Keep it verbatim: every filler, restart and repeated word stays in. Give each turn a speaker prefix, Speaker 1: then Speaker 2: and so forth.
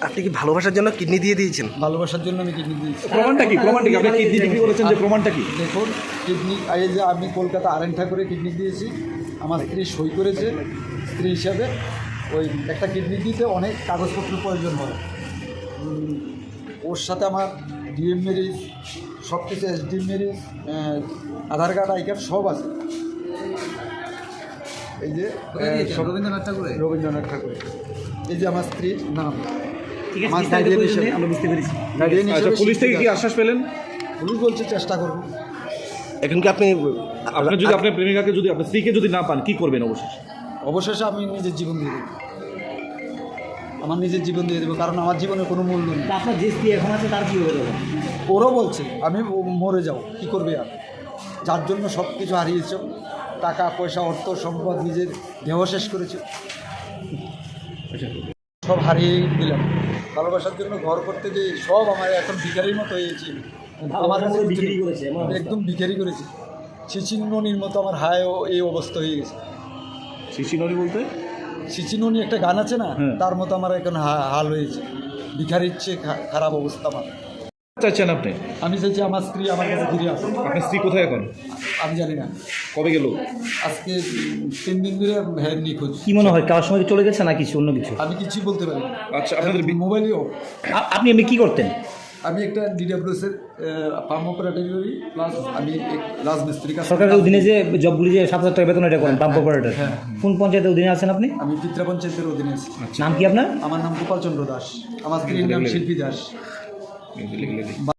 Speaker 1: আপনি কি ভালোবাসার জন্য কিডনি দিয়ে দিয়েছেন?
Speaker 2: ভালোবাসার জন্য আমি কিডনি দিয়েছি।
Speaker 3: প্রমাণটা কি? প্রমাণটা কি? আপনি কিডনি বিক্রি করেছেন যে প্রমাণটা কি?
Speaker 2: দেখুন, কিডনি এই যে আমি কলকাতা আরেন ঠাকুরে কিডনি দিয়েছি, আমার স্ত্রী সই করেছে স্ত্রী হিসাবে। ওই একটা কিডনি দিতে অনেক কাগজপত্র প্রয়োজন হয়। উম, ওর সাথে আমার ডিএম ম্যারেজ, সব কিছু SD marriage, Aadhaar card, I card সব আছে। এই যে সব
Speaker 4: রবীন্দ্রনাথ ঠাকুরে
Speaker 2: রবীন্দ্রনাথ ঠাকুরে। এই যে আমার স্ত্রীর নাম।
Speaker 4: ঠিক আছে,
Speaker 2: আমার
Speaker 4: বিস্তারিত
Speaker 2: guardian
Speaker 4: প্রয়োজনে
Speaker 2: হিসেবে-
Speaker 4: আমরা বুঝতে পেরেছি।
Speaker 2: গার্ডিয়ান
Speaker 3: আচ্ছা,
Speaker 2: হিসেবে
Speaker 3: পুলিশ থেকে কি
Speaker 2: স্বীকৃত।
Speaker 3: আশ্বাস পেলেন?
Speaker 2: পুলিশ বলছে চেষ্টা করবো।
Speaker 1: এখন কি আপনি
Speaker 3: আপনার যদি আপনার প্রেমিকাকে যদি আপনার স্ত্রীকে যদি না পান কি করবেন অবশেষে?
Speaker 2: অবশেষে আমি নিজের জীবন দিয়ে দেবো, আমার নিজের জীবন দিয়ে দেবো, কারণ আমার জীবনে কোনো মূল্য নেই।
Speaker 4: তা আপনার যে স্ত্রী এখন আছে তার কি হবে তখন?
Speaker 2: ওরও বলছে আমি মরে যাও, কী করবে আর, যার জন্য সব কিছু হারিয়েছ, টাকা পয়সা অর্থ সম্পদ, নিজের দেহ শেষ করেছে, সব হারিয়ে দিলাম। ভালোবাসার জন্য ঘর করতে যে সব আমার এখন ভিখারির মতো হয়েছে। আমার কাছে
Speaker 4: পুরো
Speaker 2: কিছু
Speaker 4: বিক্রি
Speaker 2: নেই।
Speaker 4: করেছে, এমন অবস্থা।
Speaker 2: একদম ভিখারি করেছে, চিচিননির মতো আমার হায় ও এই অবস্থা হয়ে গেছে।
Speaker 3: শিশিনরি বলতে
Speaker 2: চিচিননি একটা গান আছে না,
Speaker 3: হ্যাঁ।
Speaker 2: তার মতো আমার এখন হা- হাল হয়েছে, ভিখারির চেয়ে খা- খারাপ অবস্থা আমার।
Speaker 3: চাচ্ছেন আপনি?
Speaker 2: আমি চাইছি আমার স্ত্রী আমার কাছে ফিরে আসে।
Speaker 3: আপনার স্ত্রী কোথায় এখন?
Speaker 2: আমি জানি না,
Speaker 3: কবে গেল?
Speaker 2: আজকে উম, তিন দিন ধরে হ্যাঁ নিখোঁজ।
Speaker 4: কি মনে হয় কারোর সঙ্গে চলে গেছে না কিছু অন্য কিছু?
Speaker 2: আমি কিছুই বলতে পারি না।
Speaker 3: আচ্ছা, আপনাদের বি-
Speaker 2: মোবাইলেও
Speaker 4: আ- আপনি এমনি কি করতেন?
Speaker 2: আমি একটা ডিডাব্লিউএস এর পাম অপারেটর করি, প্লাস আমি এক রাজমিস্ত্রির কাজ করি।
Speaker 4: সরকারের অধীনে যে জবগুলি যে সাত হাজার টাকা বেতন এটা করেন, পাম্প অপারেটর,
Speaker 2: হ্যাঁ।
Speaker 4: কোন পঞ্চায়েতের অধীনে আছেন আপনি?
Speaker 2: আমি পিত্রা পঞ্চায়েতের অধীনে আছি।
Speaker 4: নাম কি আপনার?
Speaker 2: আমার নাম গোপাল চন্দ্র দাস, আমার স্ত্রীর নাম শিল্পী দাস।
Speaker 3: লিখে লিখে।